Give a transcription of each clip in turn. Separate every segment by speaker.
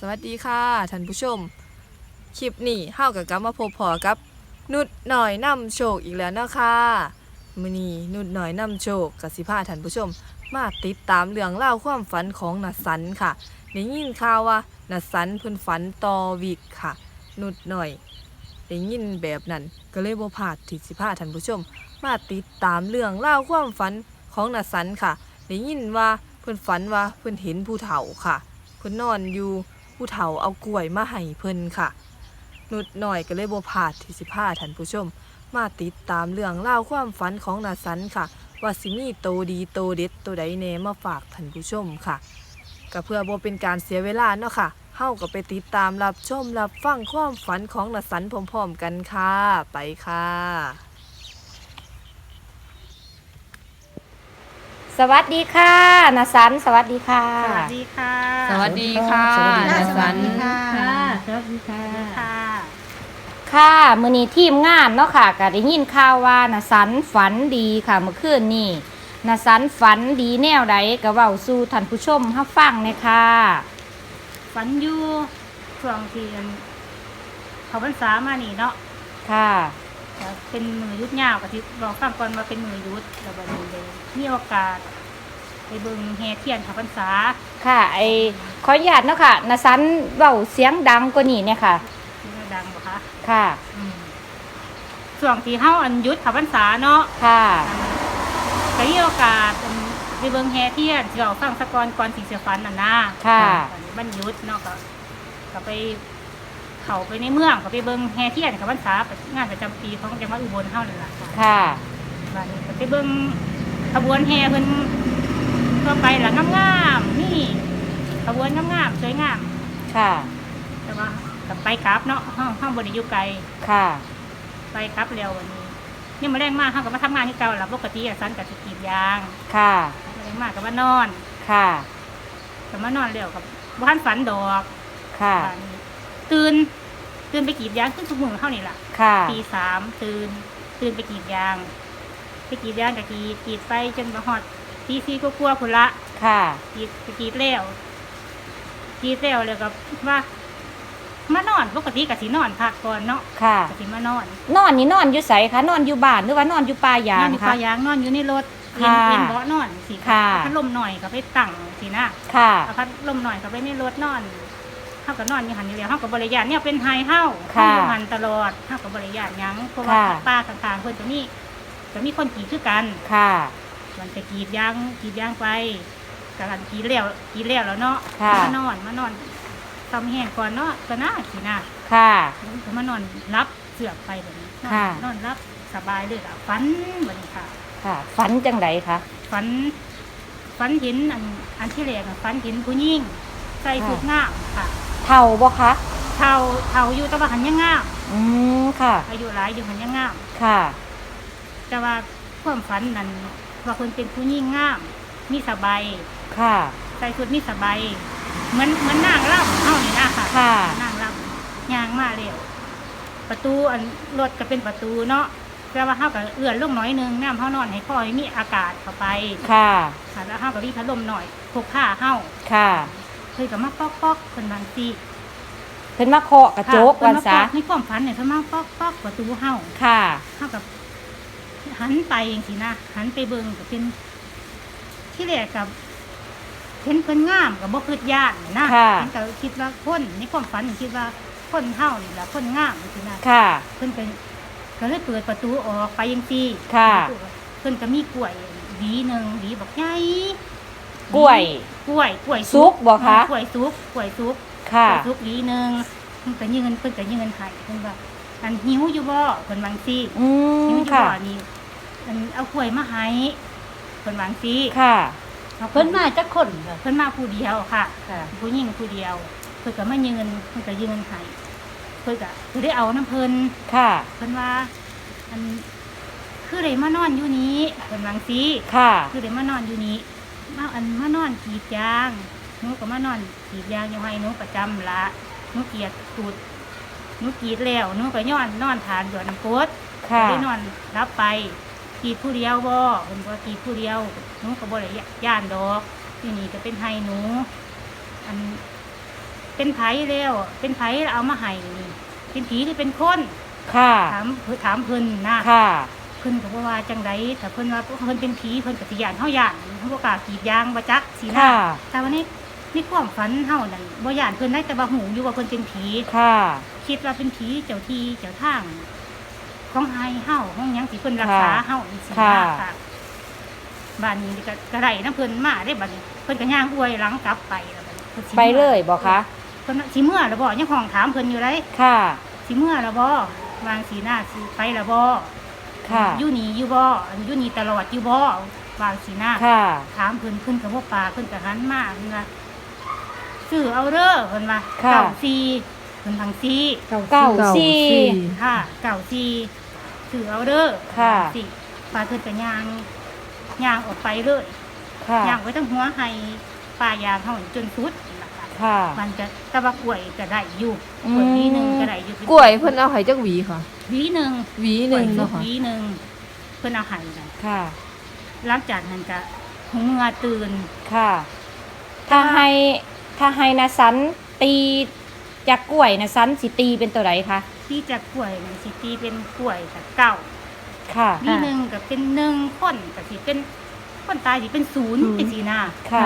Speaker 1: สวัสดีค่ะท่านผู้ชมคลิปนี้เฮากับกลับมาพบพอกับนุดหน่อยนำโชคอีกแล้วเนาะค่ะมื้อนี้นุดหน่อยนำโชคกับสิพาท่านผู้ชมมาติดตามเรื่องเล่าวความฝันของนัดสันค่ะได้ยินข่าวว่านัดสันเพิ่นฝันต่อวิกค่ะนุดหน่อยได้ยินแบบนั้นก็เลยบ่พลาดที่สิพาท่านผู้ชมมาติดตามเรื่องเล่าวความฝันของนัดสันค่ะได้ยินว่าเพิ่นฝันว่าเพิ่นเห็นผู้เฒ่าค่ะเพิ่นนอนอยู่ ผู้เฒ่าเอากล้วยมาให้เพิ่นค่ะนุดหน่อยก็เลยบ่พลาดที่สิพาท่านผู้ชมมาติดตามเรื่องเล่าวความฝันของนาสันค่ะว่าสิมีโตดีโตเด็ดโตใดแน่มาฝากท่านผู้ชมค่ะก็เพื่อบ่เป็นการเสียเวลาเนาะค่ะเฮาก็ไปติดตามรับชมรับฟังความฝันของนาสันพร้อมๆกันค่ะไปค่ะ
Speaker 2: สวัสดีค่ะนาสันสวัสดีค่ะ
Speaker 3: สวัสดีค่ะ
Speaker 1: สวัสดีค่ะ
Speaker 2: สวัสดี
Speaker 1: นา
Speaker 2: ค่ะ
Speaker 1: สัน
Speaker 3: สวัสดีค่ะ ค่ะ
Speaker 2: ค่ะมื้อนี้ทีมงานเนาะค่ะก็ได้ยินข่าวว่านาสันฝันดีค่ะเมื่อคืนนี้นาสันฝันดีแนวใดก็เว้าสู่ท่านผู้ชมรับฟังเลยค่ะ
Speaker 3: ฝันอยู่ช่วงที่เขาพรรษามานี่เนาะ
Speaker 2: ค่ะ
Speaker 3: ก็เป็นมือยุดยาวกับที่บอกฟังก่อนมาเป็นมือยุดแล้วบัดนี้เลยมีโอกาสไปเบิ่งแห่เทียนเขาพรรษา
Speaker 2: ค่ะขออนุญาตเนาะค่ะนาสันเว้าเสียงดังกว่านี้เนี่ยค่ะ
Speaker 3: ที่ดังบ่คะ
Speaker 2: ค่ะ
Speaker 3: อืมช่วงที่เฮายุดเขาพรรษาเนาะ
Speaker 2: ค่ะ
Speaker 3: ก็มีโอกาสไปเบิ่งแห่เทียนที่เราฟังสะก่อนสิเสียฝันน่ะนะ
Speaker 2: ค่ะ
Speaker 3: วันหยุดเนาะก็ไปเขาไปในเมืองก็ไปเบิ่งแห่เทียนกับพรรษางานประจำปีของจังหวัดอุบลเฮานั่นล่ะ
Speaker 2: ค่ะ
Speaker 3: บัดนี้ก็ไปเบิ่งขบวนแห่เพิ่นทั่วไปล่ะงามๆนี่ขบวนงามๆสวยงาม
Speaker 2: ค่ะ
Speaker 3: แต่ว่าก็ไปกลับเนาะเฮาบ่ได้อยู่ไกล
Speaker 2: ค่ะ
Speaker 3: ไปกลับแล้ววันนี้นี่มาแรงมากเฮาก็มาทำงานที่เก่าล่ะปกติสันก็สิกรีดยาง
Speaker 2: ค่ะ
Speaker 3: มาแรงมากก็มานอน
Speaker 2: ค่ะ
Speaker 3: ก็มานอนแล้วก็บ่ทันฝันดอก
Speaker 2: ค่ะ
Speaker 3: บัดนี้ตื่นไปกรีดยางขึ้นทุกมื้อเฮานี่ล่ะ
Speaker 2: ค่ะ
Speaker 3: ตี3ตื่นไปกรีดยางกับกรีดไปจนมาฮอดตี4กว่าๆพุ่นละ
Speaker 2: ค่ะ
Speaker 3: กรีดแล้วแล้วก็ว่ามานอนปกติก็สินอนพักก่อนเนาะ
Speaker 2: ค่ะ
Speaker 3: ก็สิมานอน
Speaker 2: นอนนี่นอนอยู่ไสคะนอนอยู่บ้านหรือว่านอนอยู่ป่ายาน
Speaker 3: อน
Speaker 2: ง
Speaker 3: อยู่
Speaker 2: คะ
Speaker 3: ป่ายางนอนอยู่ในรถ
Speaker 2: ค่ะ
Speaker 3: เป็นเบาะนอนสิ
Speaker 2: ค่ะ
Speaker 3: พัดลมหน่อยก็ไปตั้งสินะ
Speaker 2: ค่ะ
Speaker 3: เอาพัดลมหน่อยก็ไปในรถนอนเฮาก็นอนอยู่หันอยู่แล้วเฮาก็บ่ได้ย่านเนี่ยเป็นไฮเฮา
Speaker 2: ค่ะ
Speaker 3: อยู่หันตลอดเฮาก็บ่ได้ย่านหยังเพราะว่า
Speaker 2: ค่ะ
Speaker 3: ป้าข้างๆเพิ่นจะมีคนกรีดคือกัน
Speaker 2: ค่ะ
Speaker 3: มันจะกรีดยางไปกำลังกรีดแล้วเนาะ
Speaker 2: ค่ะ
Speaker 3: มานอนทำแห้งก่อนเนาะก็น่าสินะ
Speaker 2: ค่ะ
Speaker 3: ก็มานอนรับเสือกไปแบบนี้
Speaker 2: ค่ะ
Speaker 3: นอนรับสบายเลยอ่ะฝันแบบนี้ค่ะ
Speaker 2: ค่ะฝันจังไดคะ
Speaker 3: ฝันเห็นอันที่แรกอะฝันเห็นผู้หญิงใส่ชุดงามค่ะ
Speaker 2: เท่าบ่คะ
Speaker 3: เฒ่าอยู่แต่ว่าหันยังงาม
Speaker 2: อืมค่ะ
Speaker 3: อายุหลายอยู่หันยังงาม
Speaker 2: ค่ะ
Speaker 3: แต่ว่าความฝันนั้นว่าคนเป็นผู้หญิงงามมีสบาย
Speaker 2: ค่ะ
Speaker 3: ใส่ชุดมีสบายเหมือนนางร่ำเฮานี่นะค่ะ
Speaker 2: ค่ะ
Speaker 3: นางร่ำย่างมาแล้วประตูอันรถก็เป็นประตูเนาะแต่ว่าเฮาก็เอื้อนลงหน่อยนึงน้ำเฮานอนให้พ่อให้มีอากาศเข้าไป
Speaker 2: ค่ะ
Speaker 3: ค่ะแล้วเฮาก็รีพัดลมหน่อยพกผ้าเฮา
Speaker 2: ค่ะ
Speaker 3: เคยก็มาป๊อกๆเพิ่นบางที
Speaker 2: เพิ่นมาเคาะกระจกวันซะ
Speaker 3: ในความฝันเนี่ยเพิ่นมาป๊อกประตูเฮา
Speaker 2: ค่ะ
Speaker 3: เฮากับหันไปจังซี่นะหันไปเบิ่งก็เป็นที่แรกกับเห็นเพิ่นงามก็บ่คิดย่านนะ
Speaker 2: ค่ะ
Speaker 3: เห็นก็คิดว่าคนในความฝันคิดว่าคนเฮานี่ล่ะคนงามจังซี่นะ
Speaker 2: ค่ะ
Speaker 3: เพิ่นก็เลยเปิดประตูออกไปจังซี่
Speaker 2: ค่ะ
Speaker 3: เพิ่นก็มีกล้วยหวีหนึงหวีบักใหญ่
Speaker 2: กล้วย
Speaker 3: กล้วย
Speaker 2: สุกบ่คะ
Speaker 3: กล้วยสุก
Speaker 2: ค่ะ
Speaker 3: กล้วยสุกหวีหนึงเพิ่นก็ยืนให้เพิ่นว่าอันหิวอยู่บ่เพิ่นวาจังซี่
Speaker 2: อื
Speaker 3: หิ
Speaker 2: ม
Speaker 3: วอยู่
Speaker 2: ค่ะ
Speaker 3: บ่นี่อันเอากล้วยมาให้เพิ่นวาจังซี่
Speaker 2: ค่ะ
Speaker 4: เพิ่นมาจักคนค่ะ
Speaker 3: เพิ่นมาผู้เดียวค่ะ
Speaker 4: ค่ะ
Speaker 3: ผู้หญิงผู้เดียว เพิ่นก็มายืนเพิ่นก็ยืนให้เพิ่นก็ได้เอาน้ำเพิ่น
Speaker 2: ค่ะ
Speaker 3: เพิ่นว่าอันคือได้มานอนอยู่นี้เพิ่นวาจังซี่
Speaker 2: ค่ะ
Speaker 3: คือได้มานอนอยู่นี้มานอนกรีดยางหนูก็มานอนกรีดยางอยู่ให้หนูประจำละหนูเกลียดตูดหนูกรีดแล้วหนูก็นอนทานหยอดน้ำกรด
Speaker 2: ค่ะ
Speaker 3: ได้นอนรับไปกรีดผู้เดียวบ่เพิ่นว่ากรีดผู้เดียวหนูก็บ่ได้ย่านดอกที่นี่ก็เป็นไห้หนูอันไปเป็นไผแล้วเป็นไผแล้วเอามาให้นี่เป็นผีหรือเป็นคน
Speaker 2: ค่ะ
Speaker 3: ถามเพิ่นนะ
Speaker 2: ค่ะ
Speaker 3: เพิ่นก็บ่ว่าจังไดแต่เพิ่นว่าเพิ่นเป็นผีเพิ่นก็สิย่านเฮาย่านเฮาบ่กล้ากรีดยางบ่จักสินะ
Speaker 2: ค่ะ
Speaker 3: แต่วันนี้ในความฝันเฮานั่นบ่ย่านเพิ่นได้แต่ว่าหูอยู่ว่าเพิ่นเป็นผี
Speaker 2: ค่ะ
Speaker 3: คิดว่าเป็นผีเจ้าที่เจ้าทางของไฮเฮาของหยังสิเพิ่นรักษาเฮาจังซี่นะค่ะบ้านนี้ก็ได้นำเพิ่นมาได้บัดนี้เพิ่นก็ย่างอวยหลังกลับไปแล้วบัดนี้พิ่นสิ
Speaker 2: ไปเลยบ่คะ
Speaker 3: เพิ่นว่าสิเมื่อแล้วบ่ยังห้องถามเพิ่นอยู่เลย
Speaker 2: ค่ะ
Speaker 3: สิเมื่อแล้วบ่วางสีหน้าสิไปแล้วบ่
Speaker 2: ค่ะ
Speaker 3: อยู่นี่อยู่บ่อันอยู่นี่ตลอดอยู่บ่วางสีหน้า
Speaker 2: ค่ะ
Speaker 3: ถามเพิ่นก็บ่ปากเพิ่นก็หันมาเพิ่นว่าซื้อเอาเด้อเพิ่นว่า
Speaker 2: ค่ะ
Speaker 3: เก้าสี่เพิ่นทางสี่
Speaker 2: เก้าสี่
Speaker 3: ค่ะเก้าสี่ซื้อเอาเด้อ
Speaker 2: ค่ะ
Speaker 3: สิปลาเพิ่นก็ย่างออกไปเลย
Speaker 2: ค่ะ
Speaker 3: ย่างไว้ทั้งหัวให้ปลายางเฮาจนสุดนั่นล่ะค่ะ
Speaker 2: ค่ะ
Speaker 3: มันจะตะบักกล้วยก็ได้อยู่
Speaker 2: อืม
Speaker 3: กล้วยวีหนึงก็ได้อยู่
Speaker 1: กล้วยเพิ่นเอาให้จักหวีค่ะ
Speaker 3: วีหนึง
Speaker 1: หวีหนึงเนาะค่ะ
Speaker 3: วีหนึงเพิ่นเอาให้น่ะ
Speaker 2: ค่ะ
Speaker 3: หลังจากนั้นก็หูเมื่อตื่น
Speaker 2: ค่ะ ถ้าให้นะสันตีจากกล้วยนะสันสิตีเป็นตัวไหนคะ
Speaker 3: ที่จะกล้วยนี่สิตีเป็นกล้วยกับเก้า
Speaker 2: ค่ะ
Speaker 3: วีหนึงก็เป็นหนึ่งคนก็สิเป็นคนตายสิเป็นศูนย์เป็นสีหน้า
Speaker 2: ค่ะ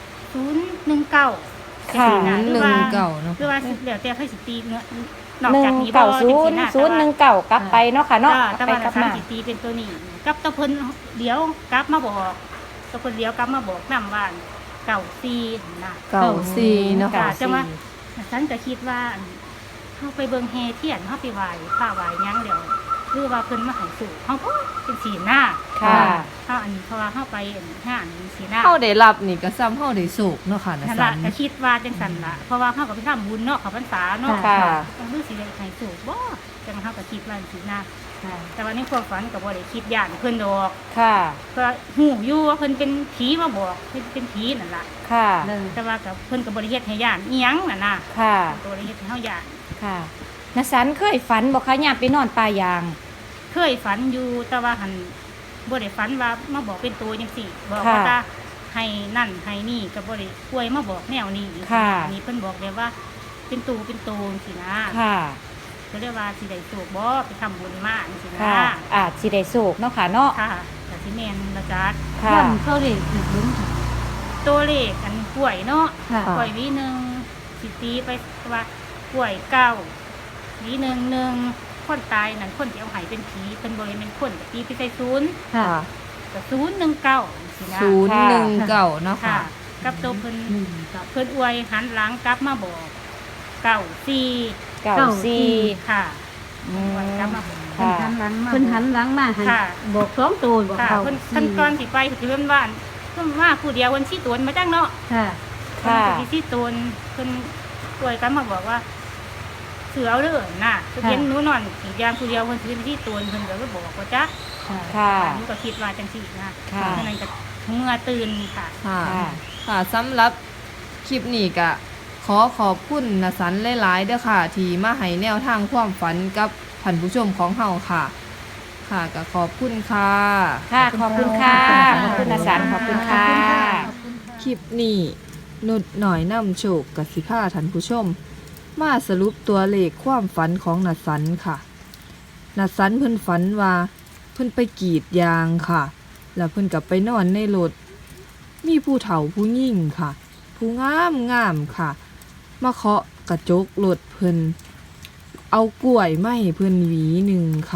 Speaker 3: 019
Speaker 2: ค่ะ
Speaker 1: 119เนาะ
Speaker 3: คือว่าแล้วแต่ให้สิตีเนื้อนอก
Speaker 2: หนึ่
Speaker 3: จาก
Speaker 2: ง
Speaker 3: นี้บ่
Speaker 2: เก้า
Speaker 3: จั
Speaker 2: ศู
Speaker 3: ง
Speaker 2: น
Speaker 3: ซี่
Speaker 2: ย์
Speaker 3: นะ
Speaker 2: ศูนย์หนึ่งเก้ากลับไปเนาะค่ะเนาะ
Speaker 3: แต่
Speaker 2: ไป
Speaker 3: ว่าก
Speaker 2: ลับ
Speaker 3: สาม
Speaker 2: มา
Speaker 3: สิตีเป็นตัวนี้กับตะเพิ่นเดี๋ยวกลับมาบอกตะเพิ่นเดี๋ยวกลับมาบอกนำว่าเก่าซีนะ
Speaker 1: เก้าสี่เนาะ
Speaker 3: ค่ะ
Speaker 1: ค่ะ
Speaker 3: จังว่าฉันก็คิดว่าเฮาไปเบิ่งแฮเทียนเฮาไปไหว้พระไหว้หยังเดี๋ยวหรือว่าเพิ่นมาให้สู่เฮาก็เป็นสีหน้า
Speaker 2: ค่ะ
Speaker 3: เฮาอันนี้เพราะว่าเฮาไปงานสีหน้า
Speaker 1: เฮาได้รับนี่ก็ซ้ำเฮาได้โศกเนาะค่ะนะ
Speaker 3: นั่น
Speaker 1: สั
Speaker 3: ล่ะ
Speaker 1: น
Speaker 3: ก็คิดว่าจังซั่นล่ะเพราะว่าเฮาก็ไปทำบุญเนาะเข้าพรรษาเนาะ
Speaker 2: ค่ะ
Speaker 3: รู้สิได้ให้สู่บ่จังเฮาก็คิดว่าสีหน้าแต่ว่าในความฝันก็บ่ได้คิดย่านเพิ่นดอก
Speaker 2: ค่ะ
Speaker 3: ก็ฮู้อยู่ว่าเพิ่นเป็นผีมาบอกเพิ่นเป็นผีนั่นล่ะ
Speaker 2: ค่ะ
Speaker 3: แต่ว่ากับเพิ่นก็บ่ได้เฮ็ดให้ย่านอีหยังน่ะนะ
Speaker 2: ค่ะ
Speaker 3: ตัวได้เฮ็ดให้เฮาย่าน
Speaker 2: ค่ะนะสันเคยฝันบอกคะยามไปนอนป่ายาง
Speaker 3: เคยฝันอยู่แต่ว่าหันบ่ได้ฝันว่ามาบอกเป็นตัวจังซี่บอก
Speaker 2: ค่ะ
Speaker 3: ว่าตาให้นั่นให้นี่ก็บ่ได้ป่วยมาบอกแนวนี้
Speaker 2: ค่ะ
Speaker 3: อันนี้เพิ่นบอกแบบว่าเป็นตูจังซี่นะ
Speaker 2: ค่ะ
Speaker 3: ก็เรียกว่าสิได้โชคบ่ไปทำบุญมาจังซี่นะ
Speaker 2: ค่ะ อาจสิได้โศกเนาะค่ะเนาะ
Speaker 3: ค่ะก็สิแม่นละจัด
Speaker 2: ค่ะ
Speaker 4: ย่ำเขาเลยถึงลุ้มค่ะ
Speaker 3: ตัวเลขอันกล้วยเนาะ
Speaker 4: ค่ะ
Speaker 3: กล้วยวีหนึงสิตีไปว่ากล้วยเก้าวีหนึ่งคนตายนั่นคนที่เอาใหายเป็นผีเป็นบ่ได้เป็นคนก็ตีไปใส่ศูนย์
Speaker 4: ค่ะ
Speaker 3: ก็019สินะ
Speaker 1: 019เนาะ
Speaker 3: ค่ะ
Speaker 1: ค่ะ
Speaker 3: กับตัวเพิ่น
Speaker 4: ครับ
Speaker 3: เพิ่นอวยหันหลังกลับมาบอกเก้าสี่
Speaker 2: เก้าสี่
Speaker 3: ค่ะ
Speaker 2: อืม
Speaker 3: อวยกลับมาบอก
Speaker 4: เพิ่น
Speaker 2: ค่ะ
Speaker 4: หันหลังมาเพิ่นหันหลังมาให้
Speaker 3: ค่ะ
Speaker 4: บอกสองตัวบอก
Speaker 3: ค่ะ
Speaker 4: เขา
Speaker 3: เพิ่นขั้นตอนสิไปคือเพิ่นว่าเพิ่นว่าผู้เดียวเพิ่นสิตวนมาจังเนาะ
Speaker 4: ค่ะ
Speaker 2: ค่ะ
Speaker 3: เพิ่นสิตวนเพิ่นอวยกลับมาบอกว่าเสือเอาเด้อน่ะเพิ่นเห็นหนูนอนอีกอย่างผู้เดียวเพิ่นสิสิตวนเพิ่นก็เลยบอกว่าจ๊ะ
Speaker 4: ค่ะ
Speaker 2: ค่ะ
Speaker 3: หนูก็คิดว่าจังซี่นะ
Speaker 2: ค่ะ
Speaker 3: ฉะนั้นก็เมื่อตื่นค่ะ
Speaker 1: ค่ะ
Speaker 2: ค่ะ
Speaker 1: ค่ะสำหรับคลิปนี้ก็ขอบคุณนะสันหลายๆเด้อค่ะ ที่มาให้แนวทางความฝันกับท่านผู้ชมของเฮาค่ะ ค่ะก็ขอบคุณค่ะ
Speaker 2: ค่ะ ขอบคุณค่ะ ขอบคุณนะสันขอบคุณค่ะ
Speaker 1: คลิปนี้นุดหน่อยนำโชคกับสิพาท่านผู้ชม มาสรุปตัวเลขความฝันของนัดสันค่ะนัดสันเพิ่นฝันว่าเพิ่นไปกรีดยางค่ะ แล้วเพิ่นกลับไปนอนในรถมีผู้เฒ่าผู้ยิ่งค่ะ ผู้งามค่ะ มาเคาะกระจกรถเพิ่นเอากล้วยมาให้เพิ่นหวีหนึ่งค่ะ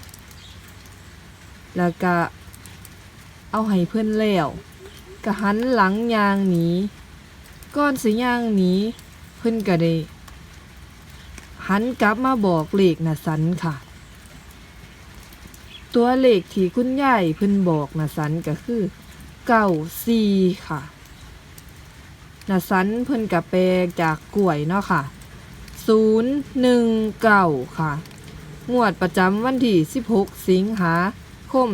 Speaker 1: แล้วก็เอาให้เพิ่นแล้วก็หันหลังยางหนีก่อนสิยางหนีเพิ่นก็ได้หันกลับมาบอกเลขน่ะสันค่ะ ตัวเลขที่คุณยายเพิ่นบอกน่ะสันก็คือ94ค่ะน่ะสันเพิ่นก็แปลจากกล้วยเนาะค่ะ019ค่ะงวดประจำวันที่16สิงหาคม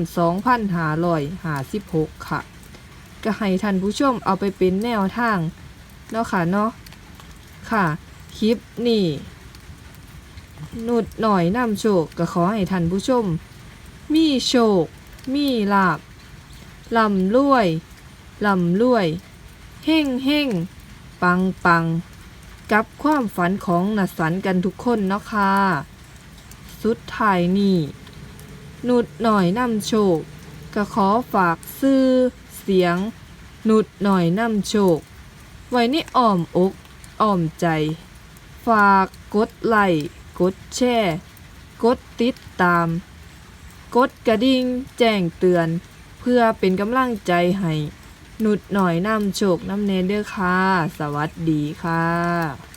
Speaker 1: 2556ค่ะก็ให้ท่านผู้ชมเอาไปเป็นแนวทางเนาะค่ะเนาะค่ะคลิปนี้นุดหน่อยนำโชคก็ขอให้ท่านผู้ชมมีโชคมีลาภร่ำรวยเฮ่งปังกับความฝันของนัสันกันทุกคนเนาะค่ะสุดท้ายนี่นุดหน่อยนำโชคก็ขอฝากซื้อเสียงนุดหน่อยนำโชคไว้ในอ้อมอกอ้อมใจฝากกดไลค์กดแชร์กดติดตามกดกระดิ่งแจ้งเตือนเพื่อเป็นกำลังใจให้นุดหน่อยนำโชคนำเนเด้อค่ะสวัสดีค่ะ